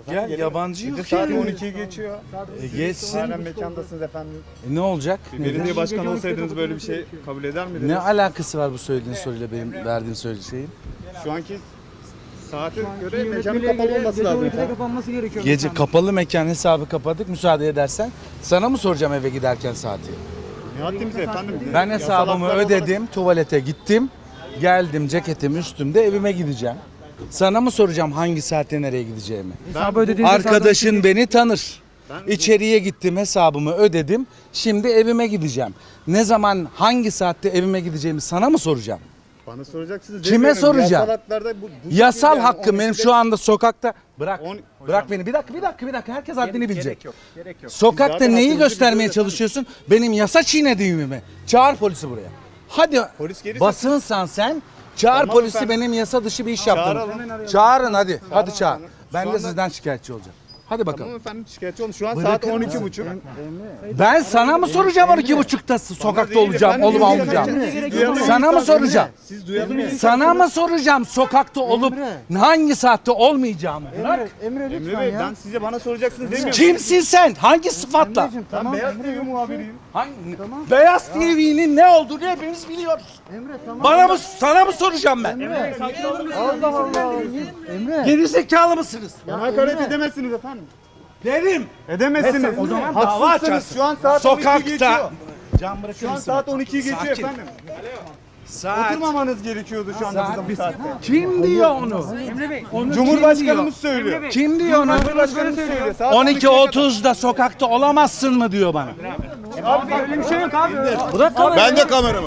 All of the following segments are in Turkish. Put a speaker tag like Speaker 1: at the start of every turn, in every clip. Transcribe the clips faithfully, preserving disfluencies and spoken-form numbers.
Speaker 1: Gel, yabancı yok.
Speaker 2: Saat on ikiyi geçiyor.
Speaker 1: E, geçsin.
Speaker 2: Halen mekandasınız efendim.
Speaker 1: E, ne olacak?
Speaker 2: Belediye başkanı olsaydınız böyle bir şey kabul eder miydiniz?
Speaker 1: Ne alakası var bu söylediğin soruyla benim verdiğim söylediğin şeyin?
Speaker 2: Şu anki saate göre mekanın kapalı olması lazım efendim.
Speaker 3: kapanması gerekiyor.
Speaker 1: Gece kapalı mekan hesabı kapadık, müsaade edersen. Sana mı soracağım eve giderken saati?
Speaker 2: Ne haddimize efendim?
Speaker 1: Ben
Speaker 2: Yasal
Speaker 1: hesabımı
Speaker 2: haklar
Speaker 1: ödedim, tuvalete gittim. Geldim, ceketim üstümde, evime gideceğim. Sana mı soracağım hangi saatte nereye gideceğimi?
Speaker 3: Hesabı ödediğinizde
Speaker 1: Arkadaşın beni tanır. İçeriye gittim, hesabımı ödedim. Şimdi evime gideceğim. Ne zaman, hangi saatte evime gideceğimi sana mı soracağım?
Speaker 2: Bana soracaksınız.
Speaker 1: Kime
Speaker 2: demiyorum.
Speaker 1: soracağım?
Speaker 2: Yasal haklarda bu, bu
Speaker 1: Yasal
Speaker 2: şekilde yani
Speaker 1: hakkım
Speaker 2: on
Speaker 1: benim
Speaker 2: ikide
Speaker 1: şu anda sokakta. Bırak,
Speaker 2: On-
Speaker 1: bırak
Speaker 2: Hocam.
Speaker 1: beni. Bir dakika, bir dakika, bir dakika. Herkes haddini bilecek.
Speaker 2: Gerek yok. Gerek yok.
Speaker 1: Sokakta
Speaker 2: Zaten
Speaker 1: neyi
Speaker 2: hakkınızı
Speaker 1: göstermeye
Speaker 2: biliyoruz efendim.
Speaker 1: çalışıyorsun? Benim yasa çiğnediğimi mi? Çağır polisi buraya. Hadi
Speaker 2: Polis gelirse-
Speaker 1: basınsan sen. Çağır
Speaker 2: Tamam
Speaker 1: polisi,
Speaker 2: efendim.
Speaker 1: benim yasa dışı bir iş yaptım.
Speaker 2: Çağıralım.
Speaker 1: Çağırın hadi. Hadi çağır.
Speaker 2: efendim.
Speaker 1: Ben
Speaker 2: Şu
Speaker 1: de
Speaker 2: anda-
Speaker 1: sizden şikayetçi olacağım. Hadi bakalım.
Speaker 2: Tamam efendim şikayetçi olun. Şu an
Speaker 1: Bırakın
Speaker 2: saat on
Speaker 1: mı?
Speaker 2: iki buçuk.
Speaker 1: Ben sana mı soracağım on iki buçukta sokakta
Speaker 2: değil
Speaker 1: olacağım,
Speaker 2: efendim,
Speaker 1: olup
Speaker 2: siz
Speaker 1: olmayacağım?
Speaker 2: duyarlı- duyarlı
Speaker 1: Sana mı
Speaker 2: insansınız.
Speaker 1: soracağım?
Speaker 2: Siz duyarlı bir
Speaker 1: Sana mı soracağım sokakta olup hangi saatte olmayacağımı? Bırak.
Speaker 3: Emre
Speaker 2: Emre
Speaker 3: lütfen
Speaker 2: Bey
Speaker 3: ya.
Speaker 2: ben size bana soracaksınız demiyorum.
Speaker 1: Kimsin sen? Hangi sıfatla?
Speaker 3: Emre'cim,
Speaker 2: Ben
Speaker 3: tamam.
Speaker 2: Beyaz T
Speaker 3: Emre,
Speaker 2: V muhabiriyim.
Speaker 1: Hangi? Beyaz T V'nin ne olduğunu hepimiz biliyoruz.
Speaker 3: Emre tamam.
Speaker 1: Bana mı, sana mı soracağım ben?
Speaker 3: Allah Allah. Emre.
Speaker 1: Geri zekalı mısınız?
Speaker 2: Bana hakaret edemezsiniz efendim.
Speaker 1: Derim.
Speaker 2: Edemezsiniz.
Speaker 1: O zaman dava
Speaker 2: Haksızsınız.
Speaker 1: açarsın.
Speaker 2: Şu an saat on ikiyi geçiyor.
Speaker 1: Sokakta. Can bırakır
Speaker 2: Şu an
Speaker 1: mısın?
Speaker 2: saat on ikiyi geçiyor
Speaker 1: Sakin.
Speaker 2: efendim.
Speaker 1: Saat.
Speaker 2: Oturmamanız gerekiyordu şu anda
Speaker 1: Saat.
Speaker 2: bizim saatte.
Speaker 1: Kim diyor onu?
Speaker 3: Emre Bey.
Speaker 1: Onu
Speaker 2: Cumhurbaşkanımız söylüyor.
Speaker 1: Kim diyor onu?
Speaker 2: Cumhurbaşkanımız söylüyor. Saat
Speaker 1: on iki
Speaker 2: ikiye kadar.
Speaker 1: otuzda sokakta olamazsın mı diyor bana.
Speaker 3: Abi öyle bir şey yok abi.
Speaker 1: Bırak kamerayı.
Speaker 2: Ben de kameraman.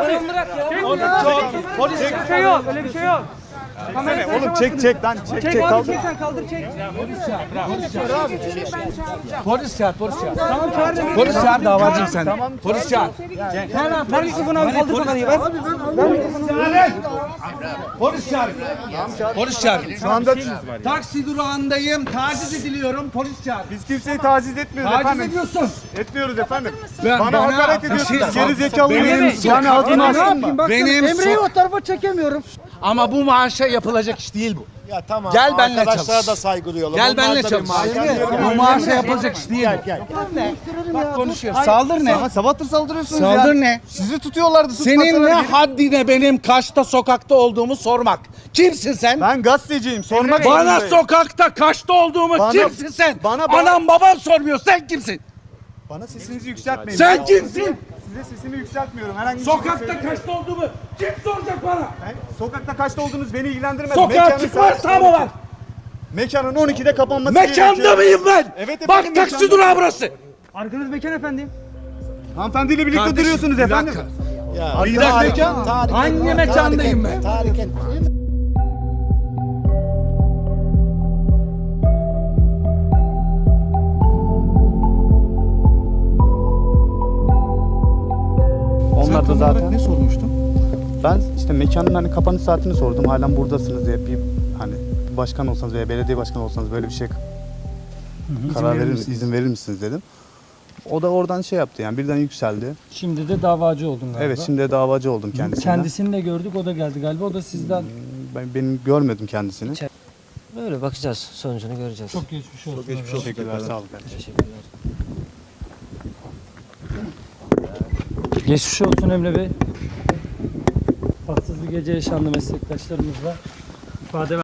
Speaker 1: Polis.
Speaker 3: Öyle bir şey yok. Öyle bir şey yok. Kamerayı
Speaker 2: Oğlum çek çek lan çek
Speaker 3: Çek
Speaker 2: çek
Speaker 3: abi
Speaker 2: kaldır.
Speaker 3: çek sen kaldır çek.
Speaker 1: Polis çağır, polis çağır.
Speaker 3: Tamam çağır da.
Speaker 1: Polis çağır, davacıyım sen. Polis çağır.
Speaker 3: Hemen ver mikrofonu abi kaldır kamerayı ver.
Speaker 1: Polis çağır. Polis çağır.
Speaker 2: Şu anda
Speaker 1: Taksi durağındayım. Taciz ediliyorum. Polis çağır.
Speaker 2: biz kimseyi taciz etmiyoruz
Speaker 1: Taciz
Speaker 2: efendim.
Speaker 1: ediyorsun.
Speaker 2: Etmiyoruz efendim.
Speaker 1: Ben-
Speaker 2: bana,
Speaker 1: bana-
Speaker 2: hakaret
Speaker 1: bir
Speaker 2: ediyorsunuz.
Speaker 1: şey-
Speaker 2: Geri zekalı
Speaker 1: Benim
Speaker 2: mıyım?
Speaker 1: yani
Speaker 2: ağzını açtın mı?
Speaker 3: Bak
Speaker 1: Benim
Speaker 3: Emre'yi
Speaker 1: so-
Speaker 3: o tarafa çekemiyorum.
Speaker 1: Ama bu maaşa yapılacak iş değil bu.
Speaker 4: Ya tamam.
Speaker 1: Gel benimle
Speaker 4: Arkadaşlara
Speaker 1: çalış.
Speaker 4: da saygı duyalım.
Speaker 1: Gel
Speaker 4: Onlar
Speaker 1: benimle
Speaker 4: da bir
Speaker 1: çalış.
Speaker 4: maaş-
Speaker 1: Bu maaşa yapılacak iş değil bu.
Speaker 4: Gel.
Speaker 1: Bak konuşuyor. Saldır ne?
Speaker 2: Ama sabahtır saldırıyorsunuz
Speaker 1: Saldır
Speaker 2: ya.
Speaker 1: ne?
Speaker 2: Sizi tutuyorlardı.
Speaker 1: Senin ne
Speaker 2: tutmasalar geri-
Speaker 1: haddine benim kaçta sokakta olduğumu sormak? Kimsin sen?
Speaker 2: Ben gazeteciyim. Sormak
Speaker 1: Bana
Speaker 2: zorundayım.
Speaker 1: sokakta kaçta olduğumu
Speaker 2: Bana-
Speaker 1: kimsin sen?
Speaker 2: bana- bana-
Speaker 1: Anam babam sormuyor. Sen kimsin?
Speaker 2: Bana sesinizi yükseltmeyin.
Speaker 1: Sen
Speaker 2: Ben
Speaker 1: kimsin?
Speaker 2: Size sesimi yükseltmiyorum. Herhangi bir şey
Speaker 1: Sokakta
Speaker 2: söyleyeyim.
Speaker 1: kaçta olduğumu kim soracak bana?
Speaker 2: Ben- Sokakta kaçta olduğunuz beni ilgilendirmez.
Speaker 1: Sokağa
Speaker 2: Mekanın
Speaker 1: çıkma
Speaker 2: saat
Speaker 1: yasağı mı
Speaker 2: on iki.
Speaker 1: var?
Speaker 2: Mekanın on ikide kapanması
Speaker 1: Mekanda
Speaker 2: gerekiyor.
Speaker 1: mıyım ben?
Speaker 2: Evet
Speaker 1: Bak
Speaker 2: efendim,
Speaker 1: taksi
Speaker 2: mekanda.
Speaker 1: durağı burası.
Speaker 3: Arkanız mekan efendim.
Speaker 2: Hanımefendiyle birlikte
Speaker 1: Kardeşim,
Speaker 2: duruyorsunuz
Speaker 1: bir
Speaker 2: efendim.
Speaker 1: dakika.
Speaker 4: Ya,
Speaker 1: Bir dakika.
Speaker 4: tahrik et, tahrik et,
Speaker 1: Hangi
Speaker 4: tahrik
Speaker 1: mekandayım
Speaker 4: etme,
Speaker 1: ben?
Speaker 4: tahrik etme.
Speaker 2: Onlar da zaten ne sormuştun? Ben işte mekanın hani kapanış saatini sordum. Halen buradasınız diye bir hani başkan olsanız veya belediye başkanı olsanız böyle bir şey karar verir misiniz, izin verir misiniz dedim. O da oradan şey yaptı yani birden yükseldi.
Speaker 5: Şimdi de davacı oldun galiba.
Speaker 2: Evet şimdi de davacı oldum kendisinden.
Speaker 5: Kendisini de gördük, o da geldi galiba. O da sizden
Speaker 2: Ben benim görmedim kendisini.
Speaker 6: Böyle bakacağız. Sonucunu göreceğiz.
Speaker 5: çok geçmiş olsun.
Speaker 2: Teşekkürler. Sağ olun.
Speaker 6: Teşekkürler.
Speaker 5: Geçmiş olsun Emre Bey. Tatsız bir gece yaşandı meslektaşlarımızla. İfade